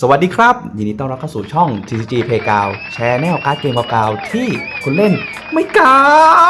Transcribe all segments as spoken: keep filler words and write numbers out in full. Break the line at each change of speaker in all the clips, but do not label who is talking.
สวัสดีครับยินดีต้อนรับเข้าสู่ช่อง ที ซี จี Playground แชร์แนวการ์ดเกมเก่าๆที่คุณเล่นไม่กล้า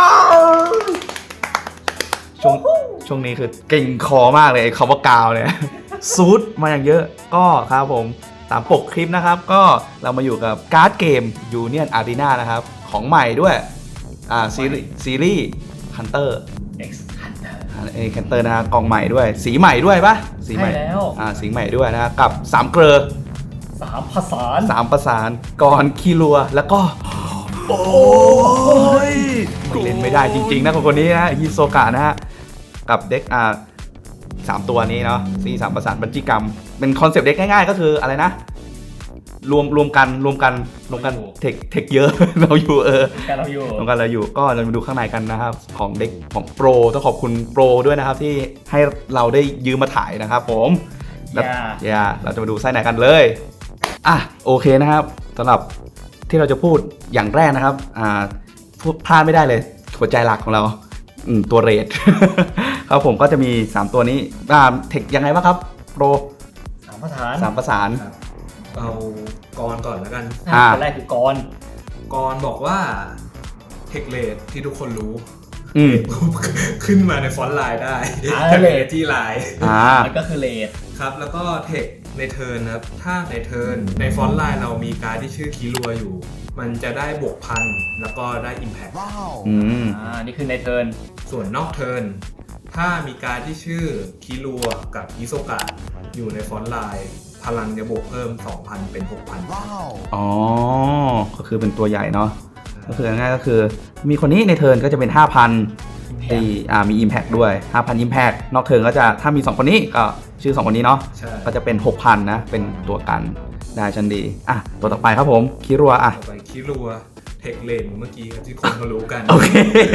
ช่วงช่วงนี้คือเก่งคอมากเลยไอ้คำว่ากาวเนี่ยซูดมาอย่างเยอะก็ครับผมตามปกคลิปนะครับก็เรามาอยู่กับการ์ดเกม Union Arena นะครับของใหม่ด้วยอ่าซีรีส์ซีรีส์ Hunter
X Hunter
เอแคนเตอร์นะฮะกล่องใหม่ด้วยสีใหม่ด้วยปะสีใหม่
ใช่แล้ว
อ่าสีใหม่ด้วยนะกับสามเกลอ
สามผสาน
สามประสานกรคีรัวแล้วก็โอ้ยไม่เล่นไม่ได้จริงๆนะคนคนนี้นะฮิโซกะนะฮะกับเด็กอ่าสามตัวนี้เนาะซีสามประสานบัญชีกรรมเป็นคอนเซปต์เด็กง่ายๆก็คืออะไรนะรวมรวมกันรวมกันรวมกันเทคเทคเยอะ เราอยู่เออ
การเราอยู่
รวมกันเราอยู่ก็เรามาดูข้างในกันนะครับของเด็กของโปรต้องขอบคุณโปรด้วยนะครับที่ให้เราได้ยืมมาถ่ายนะครับผมแล้วอย่าเราจะมาดูไส้ไหนกันเลยอ่ะโอเคนะครับสำหรับที่เราจะพูดอย่างแรกนะครับอ่าพลาดไม่ได้เลยหัวใจหลักของเราอืมตัวเรท ครับผมก็จะมีสามตัวนี้อ่าเทคยังไงบ้างครับโปร
สามผสาน
สามประสาน
เอากรก่อนแล้วกัน
อ่า
คนแรกคือกร
กรบอกว่าเทคเลดที่ทุกคนรู้
อืม
ขึ้นมาในฟอนต์ไลน์ได้
อ่า
เท
เล
เล
ด
ดที่ไลน์
อ่า
มันก็คือเลด
ครับ แล้วก็เทคในเทิร์นนะครับ ถ้าในเทิร์นในฟอนต์ไลน์เรามีการดที่ชื่อคิรัวอยู่ มันจะได้บวกพันแล้วก็ได้ Impact
อืม
อ่านี่คือในเทิร์น
ส่วนนอกเทิร์นถ้ามีการดที่ชื่อคิรัวกับฮิโซกะอยู่ในฟอนต์ไลน์พลังจะบวกเพิ่ม สองพัน เป็น หกพัน
อ๋อก็คือเป็นตัวใหญ่เนาะก็คือง่ายๆก็คือมีคนนี้ในเทิร์นก็จะเป็น ห้าพัน ตีอ่ามี Impact ด้วย ห้าพัน Impact นอกเทิร์นก็จะถ้ามีสองคนนี้ก็ชื่อสองคนนี้เนาะ
ใช่
ก็จะเป็น หกพัน นะเป็นตัวกันได้ชันดีอ่ะตัวต่อไปครับผมคิรัวอ่ะ
ต่อไปคิรัวเทคเลนเมื่อกี้ครับที่คนเขารู้กัน
โอเค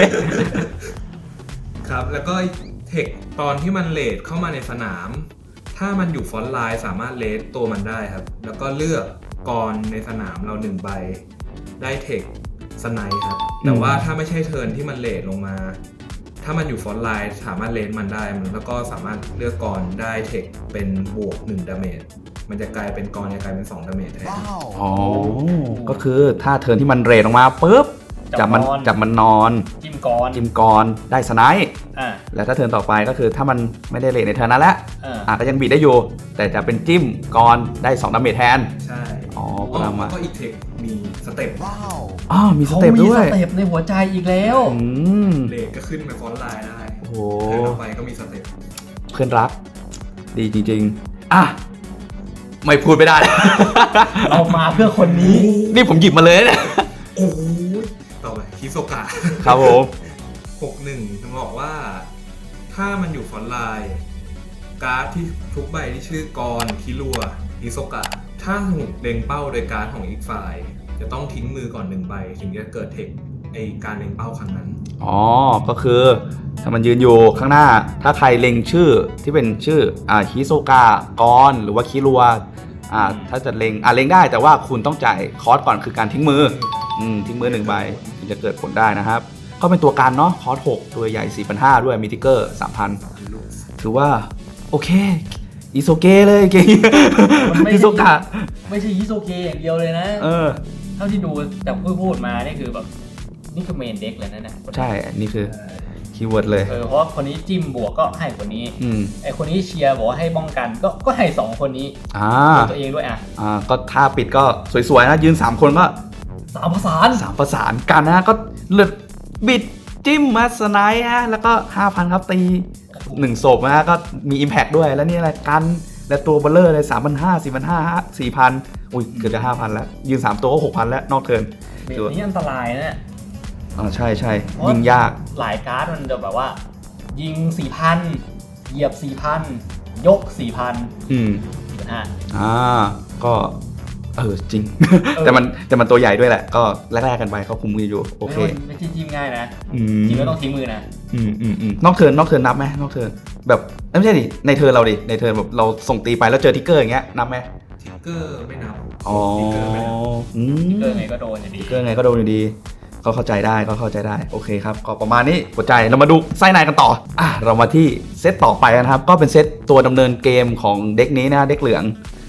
ครับ แล้วก็เทคตอนที่มันเลดเข้ามาในสนาม ถ้ามันอยู่ฟอนต์ไลน์สามารถเลดตัวมันได้ครับ แล้วก็เลือกกรในสนามเราหนึ่งใบได้เทคสไนป์ครับ แต่ว่าถ้าไม่ใช่เทิร์นที่มันเลดลงมา ถ้ามันอยู่ฟอนต์ไลน์สามารถเลดมันได้มันแล้วก็สามารถเลือกกรได้เทคเป็นบวกหนึ่งดาเมจมันจะกลายเป็นกรจะกลายเป็นสองดาเมจแทน
อ๋อก็คือถ้าเทิร์นที่มันเรทออกมาปุ๊บจับมันจับมันนอน
จิ้มกร
จิมกรได้สไนป์
อ่า
แล้วถ้าเทิร์นต่อไปก็คือถ้ามันไม่ได้เรทในเทิร์นนั้นแล้ว
อ่า
อ่ะก็ยังบีดได้อยู่ แต่จะเป็นจิ้มกรได้สองดาเมจแทน
ใช่
อ๋อ
แล้ว
ประมาณ
ก็อีกเทคมีสเต็ป
อ๋อมีสเต็ปด้วย
เขามีสเต็ปในหัวใจอีกแล้ว
อืม
เลดก็ขึ้นไปฟอนต์ไลน์ได้
โอ้โห
เทิร์นต่อไปก็มีสเต็ป
เพื่อนรัก ดีจริงๆ อ่ะ ไม่พูดไม่ได้
เรามาเพื่อคนนี้
นี่ผมหยิบมาเลยเนี่ย
โอ้โหต่อไปคิโซกะ
ครับผม
หกหนึ่งต้องบอกว่า ถ้ามันอยู่ฟอนต์ไลน์การ์ดที่ทุกใบที่ชื่อกรคิรัวคิโซกะ ถ้าถูกเล็งเป้าโดยการ์ดของอีกฝ่าย จะต้องทิ้งมือก่อนหนึ่งใบ ถึงจะเกิดเทคไอการเล็งเป้าครั้งนั้น
อ๋อ ก็คือถ้ามันยืนอยู่ข้างหน้า ถ้าใครเล็งชื่อที่เป็นชื่อ อ่าฮิโซกะกรหรือว่าคิรัว อ่า ถ้าจะเล็ง อ่าเล็งได้ แต่ว่าคุณต้องจ่ายคอสก่อนคือการทิ้งมือ อืม ทิ้งมือหนึ่งใบถึงจะเกิดผลได้นะครับ ก็เป็นตัวการเนาะ คอสหกตัวใหญ่ สี่พันห้าร้อย ด้วย มีทิกเกอร์ สามพัน ถือว่า โอเค อิโซเกะเลยเก่ง
มันไม่
ฮิโซกะ
ไม่ใช่ฮิโซเกะอย่างเดียวเลยนะ
เออ
เท่าที่ดูจากพูดพูดมานี่คือแบบนี่คือเมนเด็กเลยนะเนี่ย
ใช่ อันนี้คือคีย์เวิร์ดเลย
เออเพราะว่าคนนี้จิ้มบวกก็ให้คนนี้
อืม
ไอคนนี้เชียร์บอกว่าให้ป้องกันก็ก็ให้สองคนนี้
อ่า
ตัวเองด้วยอ่ะ
อ่า ก็ท่าปิดก็สวยๆนะ ยืนสามคนก็
สามผสาน
สามประสานกันนะ ก็เลือดบิดจิ้มมาสไนด์ฮะ แล้วก็ ห้าพัน ครับตีหนึ่งศพนะฮะ ก็มี Impact ด้วย แล้วนี่อะไรกัน และตัวเบลเลอร์เลย สามพันห้าร้อย สี่พันห้าร้อย สี่พัน อุ้ย เกือบจะ ห้าพัน แล้ว ยืนสามตัวก็ หกพัน แล้ว นอกเทิร์น
เบสนี้อันตรายนะ
อ่าใช่ใช่ยิงยาก
หลายการ์ดมันจะแบบว่า ยิง สี่พัน เหยียบ สี่พัน ยก สี่พัน
อืม
สี่พันห้า
อ่า ก็เออจริง แต่มันแต่มันตัวใหญ่ด้วยแหละ ก็แลกๆกันไปเขาคุมมืออยู่ โอเค
ไม่ใช่จิ้มง่ายนะ
อืม
จริงก็ต้องทิ้งมือนะ
อืมอืมอืมนอกเทิร์นนอกเทิร์นนับไหมนอกเทิร์นแบบเอ้ยไม่ใช่ดิในเทิร์นเราดิในเทิร์นแบบเราส่งตีไปแล้วเจอทิกเกอร์อย่างเงี้ยนับไหม
ทิกเกอร์ไม่นับ
อ๋อ
ทิกเกอร์ไม่นับ
อืม
เกินไงก็โดนอยู่ดี
ทิกเกอร์ไงก็โดนอยู่ดีก็เข้าใจได้ก็เข้าใจได้โอเคครับก็ประมาณนี้หัวใจเรามาดูไส้ในกันต่ออ่ะเรามาที่เซตต่อไปนะครับก็เป็นเซตตัวดำเนินเกมของเด็กนี้นะเด็กเหลือง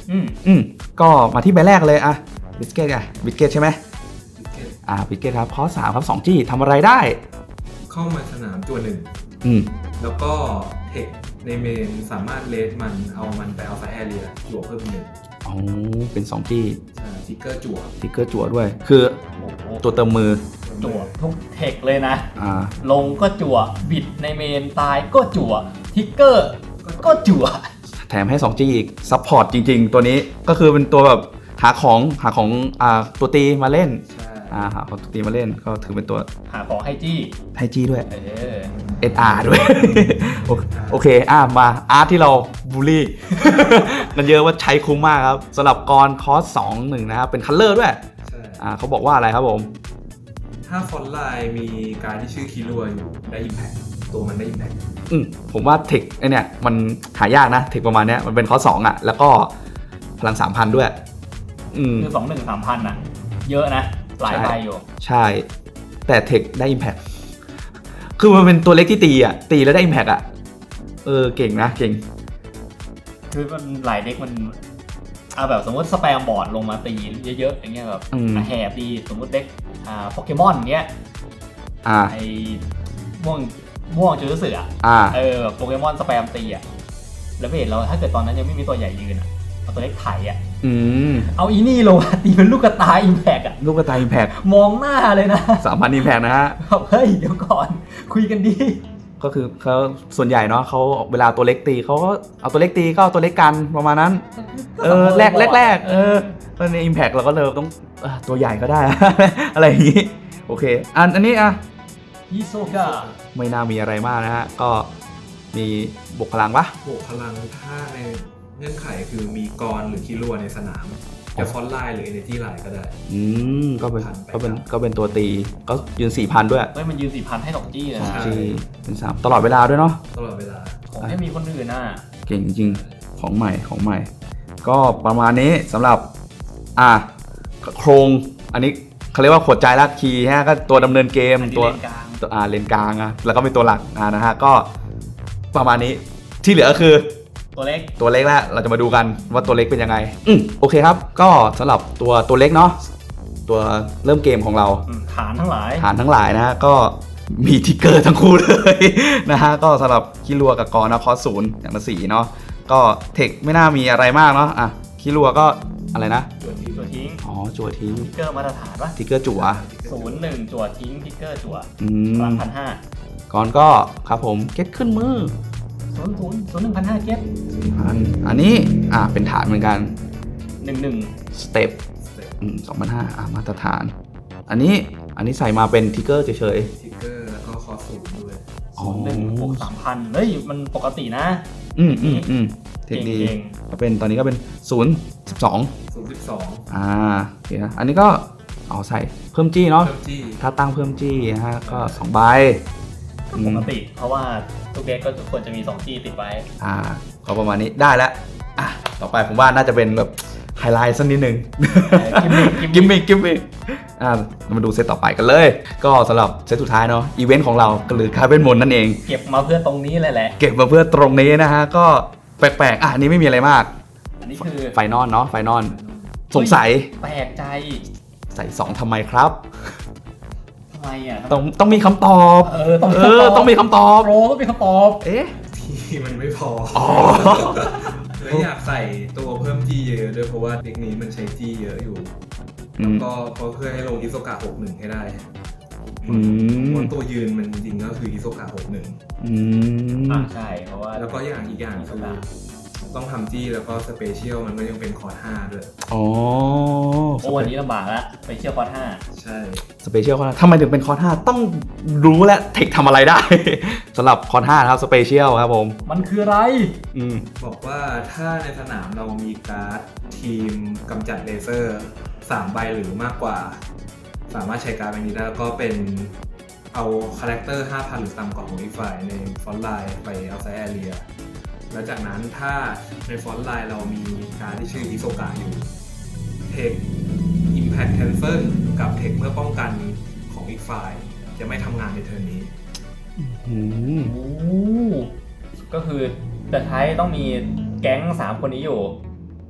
อืม
อืมก็มาที่ใบแรกเลยอะบิสเกตไงบิสเกตใช่ไหมอ่าบิสเกตครับข้อสามครับ สองจี ทำอะไรได้
เข้ามาสนามตัวหนึ่ง
อืม
แล้วก็เทคในเมนสามารถเลสมันเอามันไปเอาไซแอเรียจั่วเพิ่มหนึ่ง
อ๋อ เป็น สองจี
ใช่ทิกเกอร์จั่ว
ติ๊กเกอร์จั่วด้วย คือ
โอ้โห
ตัวเติมมือ
จั่วทุกเทคเลยนะ
อ่า
ลงก็จั่วบิดในเมนตายก็จั่วทิกเกอร์ก็จั่ว
แถมให้ สองจี อีก ซัพพอร์ตจริงๆ ตัวนี้ก็คือเป็นตัวแบบหาของหาของอ่าตัวตีมาเล่น
ใช่
อ่าหาของตัวตีมาเล่น ก็ถือเป็นตัว
หาของให้จี้
ให้จีด้วย
เออ
เอส อาร์ ด้วย โอเคโอเค อ่ะ มาอาร์ตที่เราบูลลี่ กันเยอะว่าใช้คุ้มมากครับสำหรับกรคอสสองหนึ่งนะครับ เป็นคัลเลอร์ด้วย
ใช่
อ่าเขาบอกว่าอะไรครับผม
ถ้าฟอนต์ไลน์มีการที่ชื่อคิรัวอยู่ได้อิมแพคตัวมันได้อิมแพค
อืมผมว่าเทคไอเนี่ย มันหายากนะ เทคประมาณเนี้ยมันเป็นคอสสองอ่ะ แล้วก็พลังสามพันด้วย อืม
คือสองหนึ่งสามพันอ่ะ เยอะนะ หลายใบอยู่
ใช่ แต่เทคได้ Impact คือมันเป็นตัวเล็กที่ตีอ่ะ ตีแล้วได้ Impact อ่ะ เออ เก่งนะ เก่ง
คือมันหลายเด็กมันเอาแบบสมมติสแปมบอร์ดลงมาตีเยอะๆอย่างเงี้ยแบบ
อืม
แหบดีสมมติเด็กอ่าโปเกมอนเงี้ย
อ่า
ไอ้ม่วงม่วงจูรุสึอ่ะ
อ่า
เออแบบโปเกมอนสแปมตีอ่ะแล้วไม่เห็นเราถ้าเกิดตอนนั้นยังไม่มีตัวใหญ่ยืนอ่ะเอาตัวเล็กไถอ่ะ
อืม
เอาอีนี่ลงมาตีเป็นลูกกระตายอิมแพกอ่ะ
ลูกกระต่าย Impact
มองหน้าเลยนะ
สามพัน Impact นะฮะ
แบบเฮ้ยเดี๋ยวก่อนคุยกันดี
ก็คือเขาส่วนใหญ่เนาะเขาเวลาตัวเล็กตีเขาก็เอาตัวเล็กตีก็เอาตัวเล็กกันประมาณนั้น เออแรกแรกแรกเออแล้วใน Impact เราก็เลยต้องเอ่อตัวใหญ่ก็ได้ อะไรอย่างนี้ โอเค อันอันนี้อ่ะ
ฮิโซกะ
ไม่น่ามีอะไรมากนะฮะ ก็มีบวกพลังปะ
บวกพลังถ้าในเงื่อนไขคือมีกรหรือคิรัวในสนามจะฟอนต์ไลน์หรือเอเนจีไลน์ก็ได้
อืมก็เป็น
พันไป
ก็เป็น
ครับ
ก็เป็นตัวตีก็ยืนสี่พันด้วย
เฮ้ยมันยืนสี่พันให้สองจี้เลย
สอง
นะ
จีเป็นสามตลอดเวลาด้วยเนาะ
ตลอดเวลา
ผมให้มีคนอื่นน่ะ
เก่งจริงๆของใหม่ของใหม่ ก็ประมาณนี้สำหรับ อ่ะโครงอันนี้เขาเรียกว่าขวดใจรักคีย์ฮะก็ตัวดำเนินเกม
อันนี้
ตัว
เลนกลาง
ตัวอ่าเลนกลางอะแล้วก็มีตัวหลักอ่านะฮะก็ประมาณนี้ที่เหลือก็คือ
ตัวเล็ก
ตัวเล็กแล้วเราจะมาดูกันว่าตัวเล็กเป็นยังไงอืมโอเคครับ ก็สำหรับตัวตัวเล็กเนาะตัวเริ่มเกมของเรา
อืมฐานทั้งหลาย
ฐานทั้งหลายนะฮะก็มีทิกเกอร์ทั้งคู่เลย นะฮะก็สำหรับคิรัวกับกรนะคอศูนย์อย่างละสี่เนาะก็เทคไม่น่ามีอะไรมากเนาะอ่ะคิรัวก็อะไรนะ
จั่วทิ้งจั่วทิ้ง
อ๋อจั่วทิ้ง
ทิกเกอร์มาตรฐานปะ
ทิกเกอร์จั่ว
ศูนย์หนึ่งจั่วทิ้งทิกเกอร์จั่ว
อื
พลั
ม
งพันห้า
ก่อนก็ครับผมเก็ตขึ้นมือ
ศูนย์ศูนย์ศูนย์หนึ่งพันห้าเก็ต
อันอันนี้อ่ะเป็นฐานเหมือนกัน
หนึ่งหนึ่ง
สเต็ปอืมสองพันห้าอ่ะมาตรฐาน อันนี้อันนี้ใส่มาเป็นทิกเกอร์เฉย
ทิกเกอร์แล้วก็คอสูงด้วย
ๆอ๋อ
หนึ่งบวกสามพันเฮ้ยมันปกตินะ
อืมอืมอืมเทคดี
เก่ง
ก็เป็นตอนนี้ก็เป็นศูนย์สิบสอง
ศูนย์สิบสอง
อ่าโอเคนะอันนี้ก็เอาใส่เพิ่มจี้เนาะ
เพิ่มจี้
ถ้าตั้งเพิ่มจี้นะฮะก็สองใบ
ก็ปกติ เพราะว่าทุกเด็กก็ควรจะมีสองจี้ติดไว้
อ่าก็ประมาณนี้ได้แล้วอ่ะต่อไปผมว่าน่าจะเป็นแบบไฮไลท์สักนิดนึง
กิมมิคกิ
กิ
ม
ม
มิ
มิ
ค
กกิมมิกอ่าเรามาดูเซตต่อไปกันเลย ก็สำหรับเซตสุดท้ายเนาะอีเวนต์ของเราก็คือคาเวนมนนั่นเอง
เก็บมาเพื่อตรงนี้เลยแหละ
เก็บมาเพื่อตรงนี้นะฮะก็แปลกๆอ่ะอันนี้ไม่มีอะไรมาก
อันนี้คือ
ไฟนอลเนาะไฟนอลสงสัย
แปลกใจ
ใส่สองทำไมครับ
ทำไมอ่ะ
ต้องต้องมีคำตอบ
เออต้องมี
เอ
คำต
อ
อบ
ต้องมีคำตอบ
โปรต้องมีคำตอบ
เอ๊ะ
ที่มันไม่พอ
อ๋อ
แล้วอยากใส่ตัวเพิ่มจี้เยอะๆด้วยเพราะว่าเทคนี้มันใช้จี้เยอะอยู่
อื
แล้ว
ม
ก็เพราะเพื่อให้ลงอิโซกะหกหนึ่งให้ได้
อืม
เพราะตัวยืนมันจริงๆก็คืออิโซกะหกหนึ่ง
อืม
อ่ะใช่เพราะว่า
แล้วก็อย่างอีกอย่างคือต้องทำจี้แล้วก็สเปเชียลมันก็ยังเป็นคอร์ดห้าด้วย
อ๋อ
โอ้วันนี้ลำบากละไปเชี่ยวคอร์สห้า
ใช่
สเปเชียลคอร์ทำไมถึงเป็นคอร์ห้าต้องรู้และเทคทำอะไรได้ สำหรับคอร์ห้านะครับสเปเชียลครับผม
มันคืออะไร
อืม
บอกว่าถ้าในสนามเรามีการ์ดทีมกำจัดเลเซอร์สามใบหรือมากกว่า สามารถใช้การ์ดใบนี้ได้แล้วก็เป็นเอาคาแรคเตอร์ ห้าพัน หรือต่ำกว่าของอีกฝ่ายในฟอนต์ไลน์ไปเอาไซแอเรียแล้วจากนั้นถ้าในฟอนต์ไลน์เรามีการ์ดที่ชื่ออิโซกะอยู่เทค Impact Cancel กับเทคเมื่อป้องกันของอีกฝ่ายจะไม่ทำงานในเทิร์นนี้
อืม
โอ้ก็คือแต่ท้ายต้องมีแก๊งสามคนนี้อยู่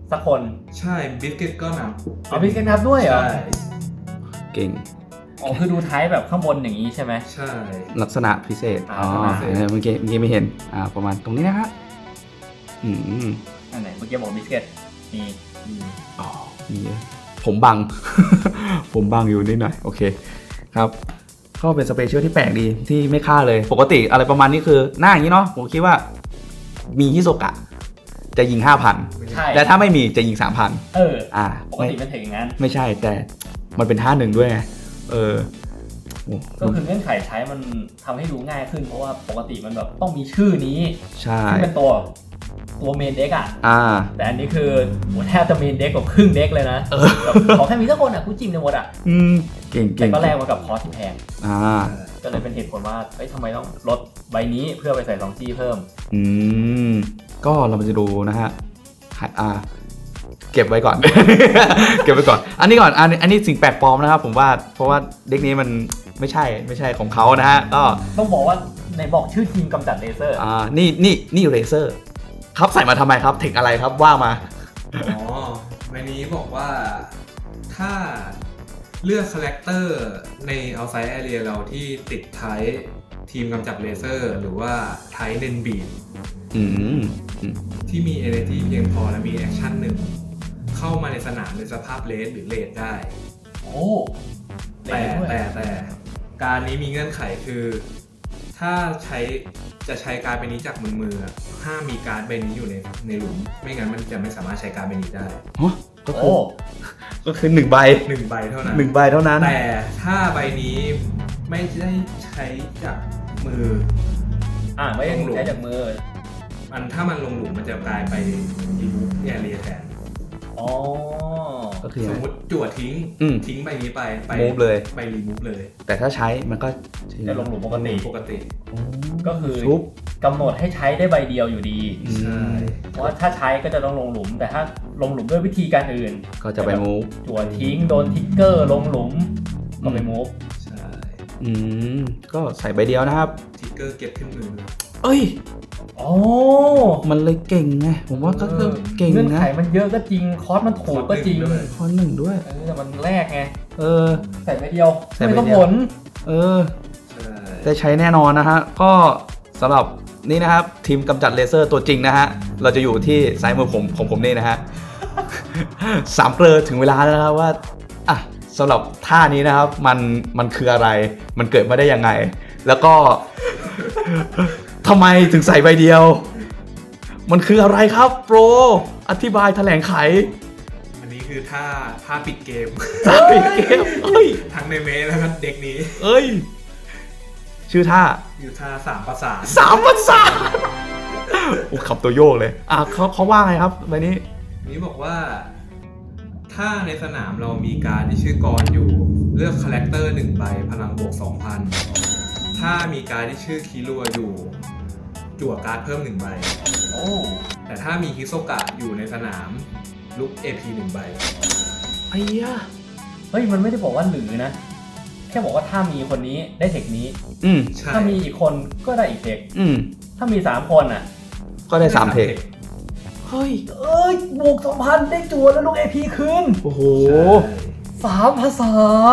สักคน
ใช่บิสกิตก็นับ
เอาพี่แกนับด้วยเหรอ
ใช่
เก่ง
อ๋อคือดูท้ายแบบข้างบนอย่างนี้ใช่ไหม
ใช่
ลักษณะพิเศษ
อ่า
อ๋อ
ลักษณะพิเศษ
เออเมื่อกี้เมื่อกี้ไม่เห็นอ่าประมาณตรงนี้นะครับอืม
อันไหนเมื่อกี้บอกบิสกิตมี
อืม
อ๋อมีผมบัง ผมบังอยู่นิดหน่อยโอเคครับก็เป็นสเปเชียลที่แปลกดีที่ไม่ฆ่าเลยปกติอะไรประมาณนี้คือหน้าอย่างนี้เนาะผมคิดว่ามีฮิโซกะจะยิง ห้าพัน
ใช่
แต่ถ้าไม่มีจะยิง สามพัน
เออ
อ่า
ปก
ไม่
ติมันถึงอย่างนั้น
ไม่ใช่แต่มันเป็นท่าหนึ่งด้วยไงเออโอ้
ก็คือเงื่อนไขใช้มันทำให้ดูง่ายขึ้นเพราะว่าปกติมันแบบต้องมีชื่อนี้
ใช่
ที่เป็นตัวตัวเมนเด็กอ่ะ
อ่า
แต่อันนี้คือโหแทบจะเมนเด็กกว่าครึ่งเด็กเลยนะ
เออ
แบบขอแค่มีสักคนอ่ะกูจิ้มในหมดอ่ะ
อืมเก่ง
แต่
เก่ง
ก็แลกมากับคอสที่แพง
อ่า
ก็เลยเป็นเหตุผลว่าเอ้ยทำไมต้องลดใบนี้เพื่อไปใส่สองจี้เพิ่ม
อืมก็เราจะดูนะฮะอ่า เก็บไว้ก่อน เก็บไว้ก่อน อันนี้ก่อนอันนี้อันนี้สิ่งแปลกปลอมนะครับผมว่าเพราะว่าเด็กนี้มันไม่ใช่ไม่ใช่ของเขานะฮะก็
ต้องบอกว่าในบอกชื่อทีมกำจัดเลเซอร์
อ่านี่นี่นี่เรเซอร์ครับใส่มาทำไมครับเทคอะไรครับว่ามา
อ๋อใบนี้บอกว่าถ้าเลือกคาแรคเตอร์ใน outside area เราที่ติดไทป์ทีมกำจัดเลเซอร์หรือว่าไทป์เนนบีด
อืมอืม
ที่มี energy เพียงพอและมีแอคชั่นหนึ่งเข้ามาในสนามในสภาพเลสหรือเลดได้
โอ้
แต่
ด้วย
แต่แต่การนี้มีเงื่อนไขคือ ถ้าใช้จะใช้การ์ดใบนี้จากมือมืออะห้ามมีการ์ดใบนี้อยู่ในในหลุม ไม่งั้นมันจะไม่สามารถใช้การ์ดใบนี้ได้
ฮะก็คื
โอ้
อก็คือหนึ่งใบ
หนึ่งใบเท่านั้น
หนึ่งใบเท่านั้น
แต่ถ้าใบนี้ไม่ได้ใช้จากมือ
อ่าไม่ได้ใช้จากมือ
มันถ้ามันลงหลุมมันจะกลายไปรีมูฟแอเรียแทน
อ๋อ
ก็คือ
ส
ไง
มมติจั่วทิ้ง
อืม
ทิ้งใบนี้ไปไป
Move เลย
ไปรีมูฟเลย
แต่ถ้าใช้มันก็
จะลงหลุมปกติ
ปกติ
ก็คือ
ชุบ
กำหนดให้ใช้ได้ใบเดียวอยู่ดี
อืม
ใช่
เพราะว่าถ้าใช้ก็จะต้องลงหลุม แต่ถ้าลงหลุมด้วยวิธีการอื่น
ก็จะไปมูฟ
จั่วทิ้งโดนทิกเกอร์ลงหลุมก็ไปมูฟ
ใช่
อืมก็ใส่ใบเดียวนะครับ
ทิกเกอร์เก็บขึ้นมือ
เอ้ย
โอ้
มันเลยเก่งไงผมว่าก็ก็เก่ง
เงื่อนไข
นะ
มันเยอะก็จริงคอสมันถูกก็จริง
คอนหนึ่งด้วย
เออแต่มันแรกไง
เออ
ใส่ใบเดียว
ใส่ใบ
ไม่ต้อง
เดียว
ผล
เออ
ใช่
ได้ใช้แน่นอนนะฮะ ก็สำหรับนี่นะครับ ทีมกำจัดเลเซอร์ตัวจริงนะฮะ เราจะอยู่ที่ซ้ายมือผมของผมนี่นะฮะ สามเกลอถึงเวลาแล้วนะครับว่าอ่ะสำหรับท่านี้นะครับ มันมันคืออะไร มันเกิดมาได้ยังไง แล้วก็ ทำไมถึงใส่ใบเดียว มันคืออะไรครับโปรอธิบายแถลงไข
อันนี้คือท่าท่าปิดเกม
ท่าปิดเกมเอ้ย
ทั้งในเมสแล้วก็เด็กนี้
เอ้ย ชื่อท่า
อยู่ท่าสามประสาน
สามภาษาโอ้ขับตัวโยกเลย อ่ะเขาเขาว่าไงครับใบนี้
นี้บอกว่า ถ้าในสนามเรามีการดที่ชื่อกรอยู่ เลือกคาแรคเตอร์หนึ่งใบพลังบวก สองพัน ถ้ามีการดที่ชื่อคิรัวอยู่ จั่วการ์ดเพิ่มหนึ่งใบ
โอ้
แต่ถ้ามีฮิโซกะอยู่ในสนามลุก เอ พี หนึ่งใบ
ไอ้ยะ
เฮ้ยมันไม่ได้บอกว่าหรือนะ แค่บอกว่าถ้ามีคนนี้ได้เทคนี้
อืม
ใช่
ถ้ามีอีกคนก็ได้อีกเทค
อืม
ถ้ามีสามคนอ่ะ
ก็ได้สามเทค เฮ้ย
เอ้ยบวกสองพันได้จั่วแล้วลูก เอ พี คืน
โอ้โห
ใช่
สามภาษาน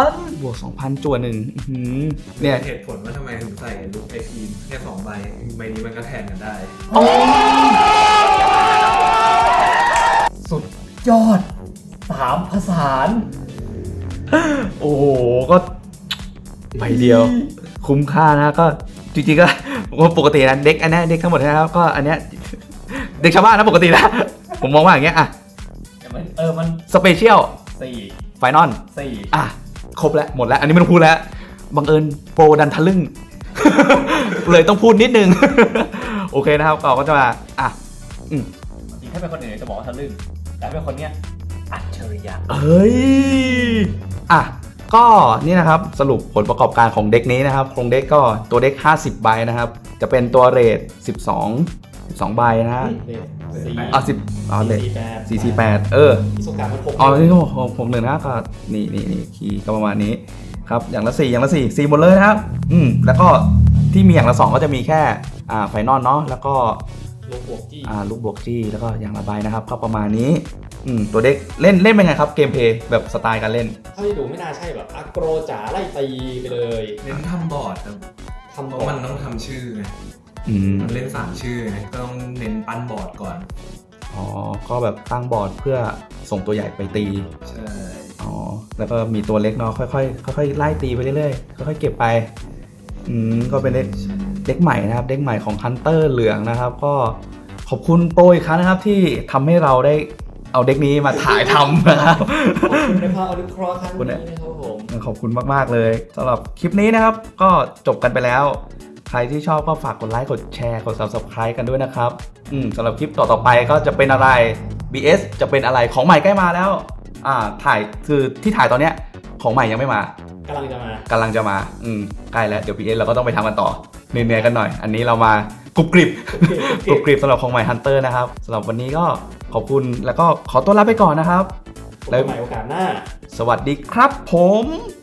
บวกสองพันจั่วหนึ่งอื้อหือเนี่ย
เหตุผลว่าทำไมถึงใส่ลุก เอ พี แค่สองใบใบนี้มันก็แทนกันได้
สุดยอดสามภาษาน
โอ้โห ก็ใบเดียว คุ้มค่านะก็จริงๆก็ปกตินะเด็กอันนี้เด็กทั้งหมดนะครับก็อันเนี้ยเด็กชาวบ้านนะปกตินะ ผมมองว่าอย่างเงี้ยอ่ะ
แต่มันเออมัน
สเปเชียล
สี่
ไฟนอล
สี่
อ่ะ ครบแล้วหมดแล้ว อันนี้ไม่ต้องพูดแล้วบังเอิญโปรดันทะลึ่ง เลยต้องพูดนิดนึง โอเคนะครับก็ก็จะมาอ่ะอืม
จริงถ้าเป็นคนอื่นจะบอกว่าทะลึ่งแต่ถ้าเป็นคนเนี้ยอัจฉริยะ
เอ้ยอ่ะก็นี่นะครับสรุปผลประกอบการของเด็กนี้นะครับโครงเด็กก็ตัวเด็กห้าสิบใบนะครับจะเป็นตัวเรทสิบสอง สิบสองใบนะฮะ
สี่
อ่ะสิบอ๋อเรท
สี่แปด
สี่สี่แปดเออ
สุการมันหก
อ๋อนี่ก็ของผมหนึ่งนะก็นี่นี่นี่คีย์ก็ประมาณนี้ครับอย่างละสี่อย่างละสี่สี่หมดเลยนะครับอืมแล้วก็ที่มีอย่างละสองก็จะมีแค่อ่าไฟนอลเนาะแล้วก็
ลูกบวกจี้
อ่าลูกบวกจี้แล้วก็อย่างละใบนะครับก็ประมาณนี้อืมตัวเด็กเล่นเล่นเป็นไงครับเกมเพลย์แบบสไตล์การเล่น
เท่าที่ดูไม่น่าใช่แบบอักโกรจ๋าไล่ตีไปเลย
เน้นทำบอร์ดครับ
ทำ
เพ
บอ
ราะ
ร์
มั
ด
นต้องทำชื่อไง
อืม
มันเล่นสามชื่อไงก็ต้องเน้นปั้นบอร์ดก่อน
อ๋อก็แบบตั้งบอร์ดเพื่อส่งตัวใหญ่ไปตี
ใช่
อ๋อแล้วก็มีตัวเล็กเนาะค่อยๆค่อยๆไล่ตีไปเรื่อยๆค่อยๆเก็บไปอืมก็เป็นเด็กเด็กใหม่นะครับเด็กใหม่ของฮันเตอร์เหลืองนะครับก็ขอบคุณโปรอีกครั้งนะครับที่ทำให้เราได้เอาเด็กนี้มาถ่ายทำนะครับ
ขอบคุณในภาพอนุเคราะห์ครั้งนี้นะครับผม
ขอบคุณมากๆเลยสำหรับคลิปนี้นะครับก็จบกันไปแล้ว ใครที่ชอบก็ฝากกดไลค์กดแชร์กด ซับสไครบ์ กันด้วยนะครับอืมสำหรับคลิปต่อๆไปก็จะเป็นอะไร บี เอส จะเป็นอะไรของใหม่ใกล้มาแล้วอ่าถ่ายคือที่ถ่ายตอนเนี้ยของใหม่ยังไม่มาก
ำลังจะมาก
ำลังจะมาอืมใกล้แล้วเดี๋ยว บี เอส เราก็ต้องไปทำกันต่อเหนื่อยๆกันหน่อย อันนี้เรามากรุบกริบกรุบกริบสำหรับของใหม่ Hunter นะครับสำหรับวันนี้ก็ขอบคุณแล้วก็ขอตัวลาไปก่อนนะครับ
พบกันใหม่โอกาสหน้า
สวัสดีครับผม